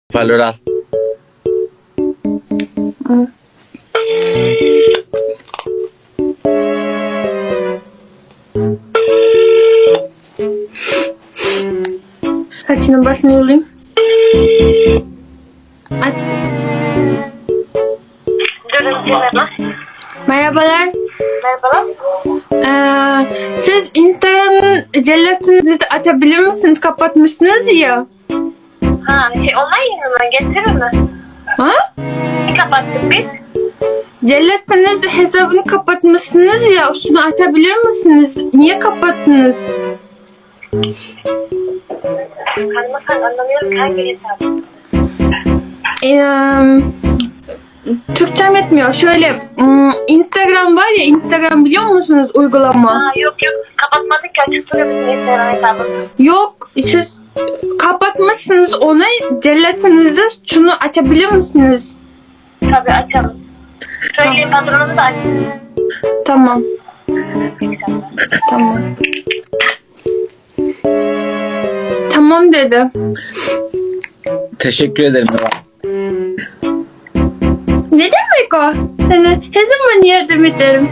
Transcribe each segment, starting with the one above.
Hoparlörü al. Saçını basını yolayım. Aç. Merhaba. Merhabalar. Merhabalar. Siz Instagram'ın cellatınızı açabilir misiniz? Kapatmışsınız ya. Ha, online yanından getirir mi? Ha? Ne kapattık biz? Cellatınız hesabını kapatmışsınız ya. Şunu açabilir misiniz? Niye kapattınız? Hanımefendi anlamıyorum ki hangi hesabı? Türkçem yetmiyor. Şöyle Instagram var ya, Instagram biliyor musunuz uygulama? Ha, yok kapatmadık ki açık duruyor bizim Instagram hesabımız. Yok, siz kapatmışsınız onu. Cellatınızı şunu açabilir misiniz? Tabii açalım. Söyleyin patronumu da açın. Tamam. Tamam. Tamam dedi. Teşekkür ederim. Ne demek o? Sana her zaman yardım ederim.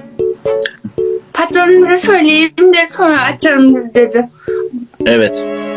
Patronunuza söyleyeyim de sonra açarım dedi. Evet.